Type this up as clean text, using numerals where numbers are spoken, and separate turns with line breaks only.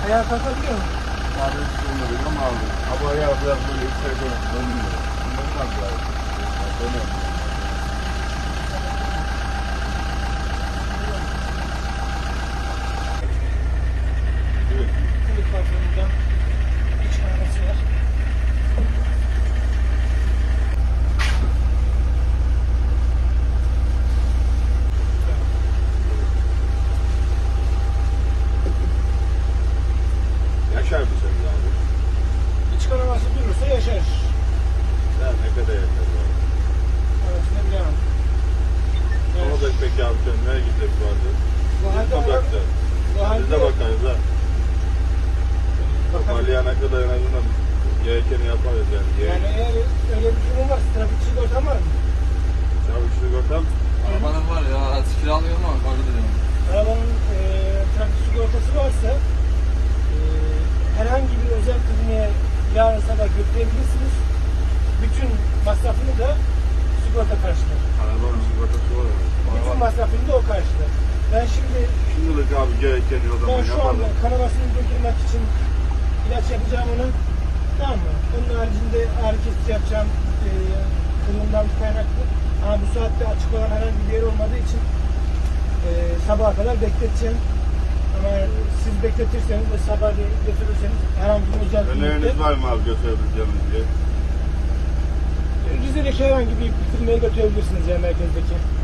Ayağa kalkabiliyor musun?
Abi olmadı ama abi. Ama ya biraz böyle içeride dönüyor. Bundan da dönüyor.
Kılık patronundan iç kahvesi var.
Yaşar mısın abi?
İç kanaması durursa yaşar.
Ya ne kadar yaşar abi?
Evet, ne bilemem.
Ne olacak peki abi sen nereye gidecek bu arada?
Bu halde
Sokakta.
bu halde
Biz de bakarız ha. Toparlayana kadar en azından gerekeni yaparız yani.
yani eğer öyle bir durum varsa trafik sigortan var mı?
Çabuk sigortam.
Arabanın var ya, araç kiralıyorum ama öyle diyorum.
Arabanın trafik sigortası varsa herhangi bir özel kliniğe yarın sabah götürebilirsiniz. Bütün masrafını da sigorta karşılar.
Arabanın sigortası var mı?
Bütün masrafını da o karşılar. Ben şimdi
Şimdilik abi gerekeni o zaman
ben şu anda
yapalım.
kanamasını durdurmak için ilaç yapacağım ona. Tamam mı? Onun haricinde ağrı kesici yapacağım kılığından kaynaklı. Ama bu saatte açık olan herhangi bir yer olmadığı için sabaha kadar bekleteceğim. Ama siz bekletirseniz ve sabah götürürseniz herhangi bir özel
Öneriniz var mı abi götürebileceğimiz diye?
Rize'deki herhangi bir firmaya götürebilirsiniz ya merkezdeki.